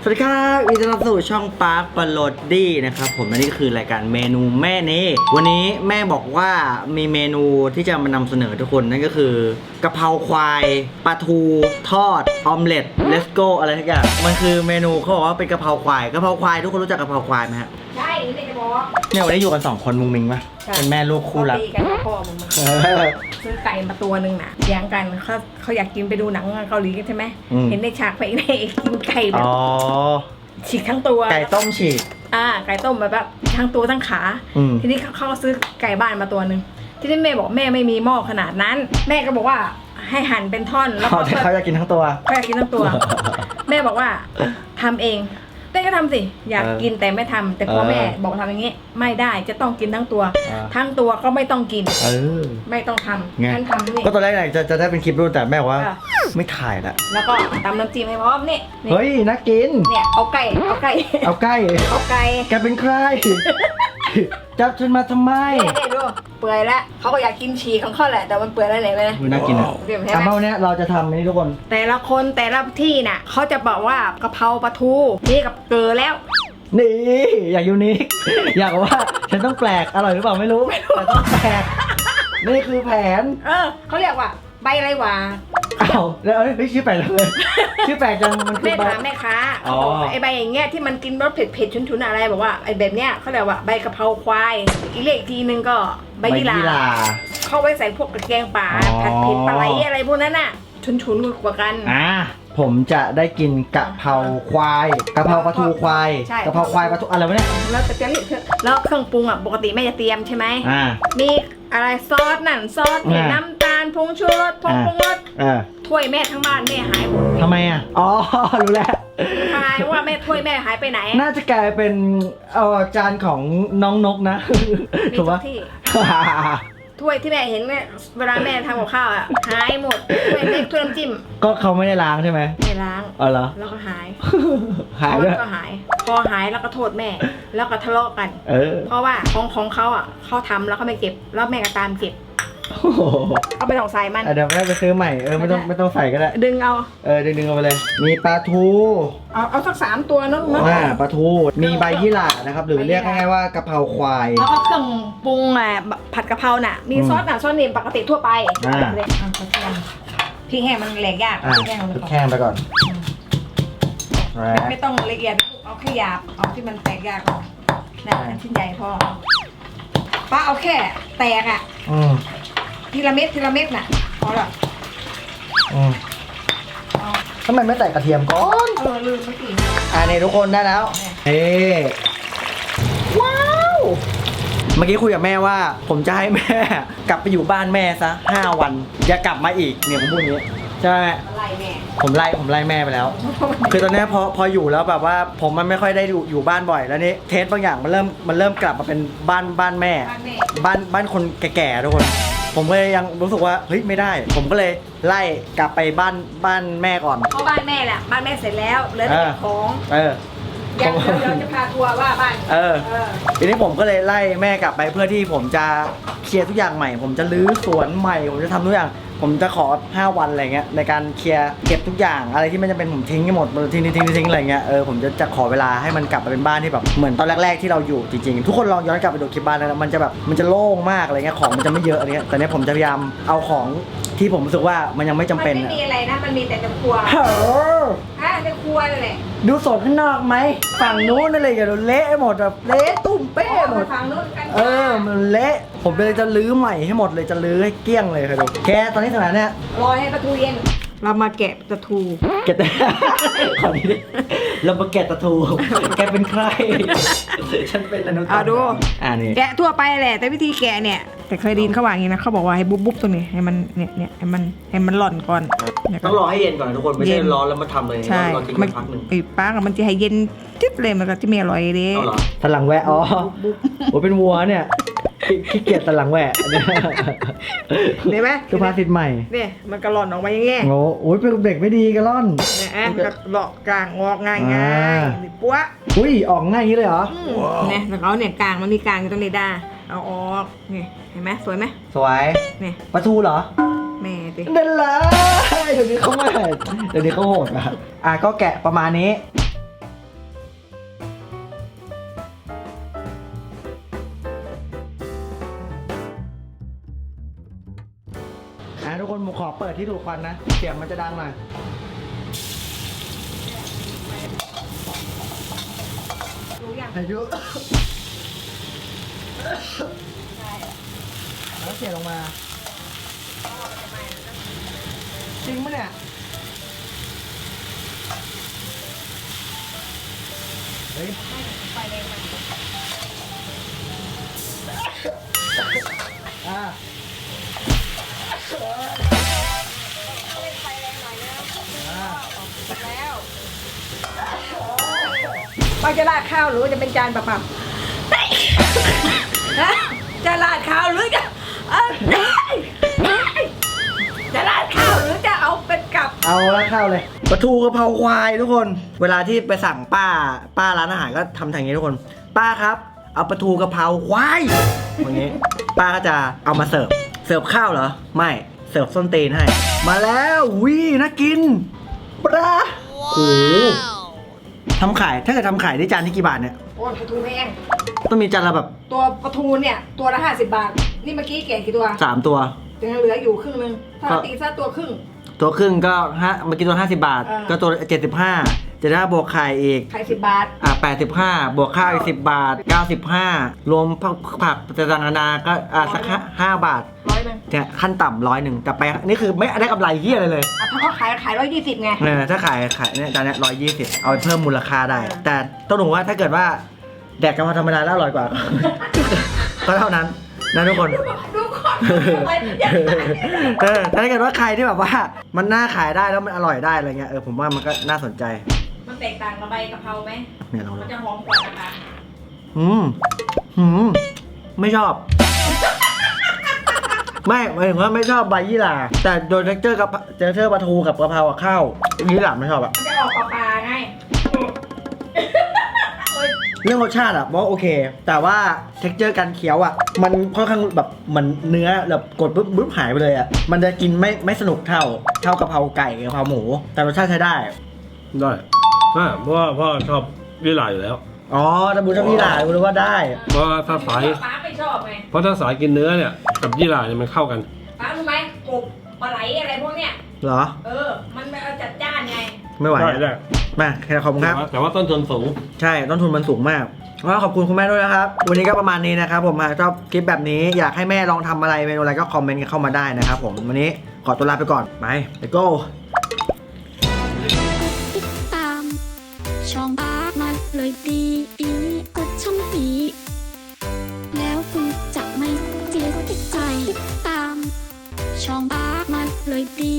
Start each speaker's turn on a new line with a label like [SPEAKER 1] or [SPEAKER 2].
[SPEAKER 1] สวัสดีครับยินดีต้อนรับสู่ช่องปาร์คปลดดี้นะครับผมและนี่คือรายการเมนูแม่นี้วันนี้แม่บอกว่ามีเมนูที่จะมานำเสนอทุกคนนั่นก็คือกะเพราควายปลาทูทอดออมเล็ตเลสโก้อะไรทุกอย่างมันคือเมนูเขาบอกว่าเป็นกะเพราควายทุกคนรู้จักกะเพราควายไหมฮะ
[SPEAKER 2] ใช่ไม่จะบอก
[SPEAKER 1] เนี่ยวันนี้อยู่กัน2คนมุงมิงปะเป็นแม่ลูกคู่รัก
[SPEAKER 2] ตีกันพ่อมึงซื้อไก่มาตัวหนึ่งน่ะแย่งกันเขาอยากกินไปดูหนังเกาหลีกันใช่ไหมเห็นในฉากไปในกินไก่แบบฉีกทั้งตัว
[SPEAKER 1] ไก่ต้มฉีก
[SPEAKER 2] ไก่ต้มแบบทั้งตัวทั้งขาทีนี้เขาซื้อไก่บ้านมาตัวหนึ่งทีนี้แม่บอกแม่ไม่มีหม้อขนาดนั้นแม่ก็บอกว่าให้หั่นเป็นท่อน
[SPEAKER 1] แล้วเขาจะกินทั้งตัว
[SPEAKER 2] เขาอยากกินทั้งตัวแม่บอกว่าทำเองเต้ก็ทำสิอยากกินแต่ไม่ทำแต่พ่อแม่บอกทำอย่างนี้ไม่ได้จะต้องกินทั้งตัวทั้งตัวก็ไม่ต้องกินไม่ต้องทำงั้นทำนี่
[SPEAKER 1] ก็ตอนแรกจะได้เป็นคลิปรูปแต่แม่บอกว่าไม่ถ่ายละ
[SPEAKER 2] แล้วก็ตำน้ำจิ้มให้พร้อมนี่
[SPEAKER 1] เฮ้ยน่ากิน
[SPEAKER 2] เนี่ยเอาไก่
[SPEAKER 1] แกเป็นใครจับฉันมาทำไม
[SPEAKER 2] นี่ดูเปื่อยแล้วเขาก็อยากกินฉี่ของเขาแหละแต่มันเปื่อยแล้วไหนไหม
[SPEAKER 1] น่ากินอ่ะแต่เมื่อนี้เราจะทำนี่ทุกคน
[SPEAKER 2] แต่ละคนแต่ละที่น่ะเขาจะบอกว่ากะเพราปลาทูนี่กับเกลือแล้ว
[SPEAKER 1] นี่อยากยูนิคอยากว่าฉันต้องแปลกอร่อยหรือเปล่าไม่รู้แต่ต้องแปลกนี่คือแผน
[SPEAKER 2] เขาเรียกว่าใบไรวะ
[SPEAKER 1] แล้วไม่ชื่อแปลกเลยชื่อแปลกจังมันคือ
[SPEAKER 2] แม่ถามแม่ค้าไอใบอย่างเงี้ยที่มันกินรสเผ็ดชุนๆอะไรบอกว่าไอแบบเนี้ยเขาเรียกว่าใบกะเพราควายอีกเลขทีนึงก็ใบยี่หร่าเข้าไว้ใส่พวกกระเทียมป่าผัดเผ็ดปลาไหลอะไรพวกนั้นน่ะชุนๆกว่ากัน
[SPEAKER 1] ผมจะได้กินกะเพราควายกะเพราปลาทูควายกะเพราควายปลาทูอะไรวะเนี่ย
[SPEAKER 2] แล้วจะเรียกแล้วเครื่องปรุงอ่ะปกติแม่จะเตรียมใช่ไหมมีอะไรซอสนั่นซอสน้ำตาลผงชูรสผงรสถ้วยแม่ทั้งบ้านแม่หายหมด
[SPEAKER 1] ทำไมอ่ะรู้แล้ว
[SPEAKER 2] หายว่าแม่ถ้วยแม่หายไปไหน
[SPEAKER 1] น่าจะกลายเป็นจานของน้องนกนะ
[SPEAKER 2] ถูกปะถ้วยที่แม่เห็นเนี่ยเวลาแม่ทำกับข้าวอ่ะหายหมดถ้วยเล็กถ้วยน้ำจิ้ม
[SPEAKER 1] ก็เขาไม่ได้ล้างใช่ไหม
[SPEAKER 2] ไม่ล้าง
[SPEAKER 1] เหรอ
[SPEAKER 2] แล้วก็หาย
[SPEAKER 1] ด้วย
[SPEAKER 2] ก็หายพอหายแล้วก็โทษแม่แล้วก็ทะเลาะกันเพราะว่าของเขาอ่ะเขาทำแล้วเขาไม่เก็บแล้วแม่ก็ตามเก็บเอาไปต้องใส่มัน
[SPEAKER 1] เดี๋ยวแม่ไปซื้อใหม่ไม่ต้องใส่ก็ได้
[SPEAKER 2] ดึงเอา
[SPEAKER 1] ดึงเอาไปเลยมีปลาทู
[SPEAKER 2] เอาสัก3 ตัวนู้น
[SPEAKER 1] ปลาทูมีใบยี่หร่านะครับหรือเรียกง่ายๆว่ากะเพราควาย
[SPEAKER 2] แล้วก็เครื่องปรุงผัดกะเพราน่ะมีซอสนี่ปกติทั่วไปพริกแห้งมันแหลกยาก
[SPEAKER 1] พริกแห้งไปก่อน
[SPEAKER 2] ไม่ต้องละเอียดเอาแค่หยาบเอาที่มันแตกยากก่อนนะชิ้นใหญ่พอป้าเอาแค่แตกอ่ะทีละเม็ดน่ะพอละ
[SPEAKER 1] ทำไมไม่ใส่กระเทียมก่อน
[SPEAKER 2] ลืมเมื่อกี้
[SPEAKER 1] นี่ทุกคนได้แล้วว้าวเมื่อกี้คุยกับแม่ว่าผมจะให้แม่กลับไปอยู่บ้านแม่ซะ5 วันอย่ากลับมาอีกเนี่ยผมพูดอย่างนี้ใช่ไหมผมไล่แม่ไปแล้วคือตอนนี้พออยู่แล้วแบบว่าผมมันไม่ค่อยได้อยู่บ้านบ่อยแล้วนี่เทสบางอย่างมันเริ่มกลับมาเป็นบ้านแม่บ้านคนแก่ๆทุกคนผมก็ยังรู้สึกว่าเฮ้ยไม่ได้ผมก็เลยไล่กลับไปบ้านแม่ก่อน
[SPEAKER 2] เพราะบ้านแม่แหละบ้านแม่เสร็จแล้วเหลือแต่ของเดี๋ยวจะพาทัวร์ว่าบ้าน
[SPEAKER 1] ทีนี้ผมก็เลยไล่แม่กลับไปเพื่อที่ผมจะเคลียร์ทุกอย่างใหม่ผมจะรื้อสวนใหม่ผมจะทำทุกอย่างผมจะขอ5 วันอะไรเงี้ยในการเคลียร์เก็บทุกอย่างอะไรที่ไม่จำเป็นผมทิ้งให้หมดทิ้งอะไรเงี้ยผมจะขอเวลาให้มันกลับมาเป็นบ้านที่แบบเหมือนตอนแรกๆที่เราอยู่จริงๆทุกคนลองย้อนกลับไปดูคลิปบ้านนะมันจะโล่งมากอะไรเงี้ยของมันจะไม่เยอะอะไรเงี้ยแต่เนี้ยผมจะพยายามเอาของที่ผมรู้สึกว่ามันยังไม่จำเป็น
[SPEAKER 2] มันไม่มีอะไรนะมันมีแต่ในครัวในครัวนั่นแหละ
[SPEAKER 1] ดูสดข้างนอกไหมฝั่งนู้นนั่นเลยอย่าโดนเละหมดแบบเละตุ้มเป้หมด
[SPEAKER 2] ฝั่งนู้นกัน
[SPEAKER 1] มันเละผมเลยจะลื้อใหม่ให้หมดเลยจะลื้อให้เกลี้ยงเลยค่ะดูแกตอนนี้ขนาดเนี้ย
[SPEAKER 2] รอให้ปลาทูเย็นเรามาแกะปลาทู
[SPEAKER 1] ขอนี้ดิเรามาแกะปลาทูแกเป็นใครฉันเป็นอนุ
[SPEAKER 2] ดู
[SPEAKER 1] นี่
[SPEAKER 2] แกะทั่วไปแหละแต่วิธีแกะเนี่ยแต่เคยดินเขาว่าอย่างนี้นะเขาบอกว่าให้บุ๊บตรงนี้ให้มันเนี่ยให้มันหล่อนก่อน
[SPEAKER 1] ต้องรอให้เย็นก่อนทุกคนไม่ใช่ร้อนแล้วมาทำเลยรอทิ้งไว้พักนึง
[SPEAKER 2] ป้ากับมันจะให้เย็นจิ๊บเลยมันก็จะไม่อร่อยเลย
[SPEAKER 1] สลังแวะโอ้เป็นวัวเนี่ยขี้เกียจสลังแหวะ
[SPEAKER 2] เห็นไหม
[SPEAKER 1] คือพาสิทธิ์ใหม่
[SPEAKER 2] เนี่ยมันกระล่อนออกมาอย่างเงี้ย
[SPEAKER 1] โอ้ยเป็นเด็กไม่ดีกระล่อน
[SPEAKER 2] เนี่ยมันก็หลอกกลางออกง่ายนี่ปั๊ว
[SPEAKER 1] ออกง่ายอย่างนี้เลยเหรอ
[SPEAKER 2] เนี่ยแต่เขาเนี่ยกลางมันมีกลางอยู่ตรงนี้ด้าเอาออกนี่เห็นไหมสวยไหม
[SPEAKER 1] สวย
[SPEAKER 2] เนี่ย
[SPEAKER 1] ปลาทูเหรอ
[SPEAKER 2] แม่ดิ
[SPEAKER 1] เดินเลยเดี๋ยวนี้เขาโหดก็แกะประมาณนี้อเปิดที่ดูดควันนะเสียงมันจะดังหน่อย
[SPEAKER 2] รู้ยัง
[SPEAKER 1] อายุ
[SPEAKER 2] ใช่
[SPEAKER 1] แล้วเสียลงมาจริงปะเนี่ยเฮ้ย
[SPEAKER 2] ไฟแรงมัน
[SPEAKER 1] อ่า
[SPEAKER 2] เล่นไฟแรงหน่อยแล้ว
[SPEAKER 1] อ่า
[SPEAKER 2] แล้วป้าจะราดข้าวหรือว่าจะเป็นจานเปล่าๆฮะจะราดข้าวหรือจะจะราดข้าวหรือจะเอาเป็นกับ
[SPEAKER 1] เอาละเข้าเลยปลาทูกะเพราควายทุกคน เวลาที่ไปสั่งป้าร้านอาหารก็ทำทางนี้ทุกคน ป้าครับ เอาปลาทูกะเพราควายอย่างนี้ ป้าก็จะเอามาเสิร์ฟข้าวเหรอ ไม่เสิร์ฟส้นตีนให้ มาแล้ววิน่ากินปลาโอ้โหทำขายถ้าเกิดทำขายได้จานที่กี่บาทเนี่ย
[SPEAKER 2] โอ้ยปลาทูแพง
[SPEAKER 1] ต้องมีจานละแบบ
[SPEAKER 2] ตัวปลาทูเนี่ยตัวละ50 บาท นี่เมื่อกี้แกะกี่ตัว
[SPEAKER 1] 3 ตัว
[SPEAKER 2] ยังเหลืออยู่1/ครึ่งถ้าตีซะตัวครึ่ง
[SPEAKER 1] ตัวครึ่งก็เมื่อกี้ตัว50 บาท ก็ตัว75จะได้บวกไข่อีก
[SPEAKER 2] ไข่10 บาท
[SPEAKER 1] 85บวกข้าวอีก10 บาท 95รวมผักต่างๆนานาก็สัก5 บาท
[SPEAKER 2] 100
[SPEAKER 1] เนี่ยขั้นต่ำ100แต่ไปนี่คือไม่ได้กำไรเฮียอะไรเลย
[SPEAKER 2] ถ้าเขาขาย120ไง
[SPEAKER 1] ถ้าขายเนี่ยจานเนี้ย120เอาไปเพิ่มมูลค่าได้ แต่ต้องดูว่าถ้าเกิดว่าแดกกะเพราธรรมดาแล้วอร่อยกว่า ก็เท่านั้นนะทุกคน
[SPEAKER 2] ดูก่อนอย่า
[SPEAKER 1] แต่ถ้าเกิดว่าใครที่แบบว่ามันน่าขายได้แล้วมันอร่อยได้อะไรเงี้ยผมว่ามันก็น่าสนใจ
[SPEAKER 2] มันแตกต่างกับใบกะเพราไหม
[SPEAKER 1] เนี่ยลอง
[SPEAKER 2] มัน
[SPEAKER 1] ดู
[SPEAKER 2] จะหอมกว่านะคะ
[SPEAKER 1] ไม่ชอบ ไม่หมายถึงว่าไม่ชอบใบยี่หร่าแต่โดยเท็กเจอร์กับเท็กเจอร์ปลาทูกับกะเพรากับข้าวยี่หร่าไม่ชอบอะ
[SPEAKER 2] มันจะออกปลาๆไง
[SPEAKER 1] เรื่องรสชาติอะบอกว่าโอเค แต่ว่าเท็กเจอร์การเคี้ยวอะมันค่อนข้างแบบเหมือนเนื้อแบบกดปุ๊บหายไปเลยอะมันจะกินไม่สนุกเท่ากะเพราไก่กะเพราหมู แต่รสชาติใช้ได้
[SPEAKER 3] ได้เพราะว่าพ่อชอบยี่หร่าอยู่แล้ว
[SPEAKER 1] อ๋อแต่บูชอบยี่หร่ารู้ว่าได้
[SPEAKER 3] เพราะว่าถ้าสาย
[SPEAKER 2] ป้าไม่ชอบไง
[SPEAKER 3] เพราะถ้าสายกินเนื้อเนี่ยกับยี่หร่าเนี่ยมันเข้ากัน
[SPEAKER 2] ป้ารู้ไหมกบปลาไหลอะไรพวกเนี้ย
[SPEAKER 1] เหรอ
[SPEAKER 2] มันไม่เอาจัดจ้านไง
[SPEAKER 1] ไม่ไหว
[SPEAKER 3] ได้
[SPEAKER 1] อะ
[SPEAKER 3] ได้
[SPEAKER 1] มาแค่ขอบคุณครับ
[SPEAKER 3] แต่ว่าต้นทุนสูง
[SPEAKER 1] ใช่ต้นทุนมันสูงมากก็ขอบคุณคุณแม่ด้วยนะครับ วันนี้ก็ประมาณนี้นะครับผมหากชอบคลิปแบบนี้อยากให้แม่ลองทำอะไรเมนูอะไรก็คอมเมนต์กันเข้ามาได้นะครับผมวันนี้ขอตัวลาไปก่อนไป let's go
[SPEAKER 4] ติดตามช่องอาร์มันเลยดีกดช่องสีแล้วคุณจะไม่เสียใจติดตามช่องอาร์มันเลยดี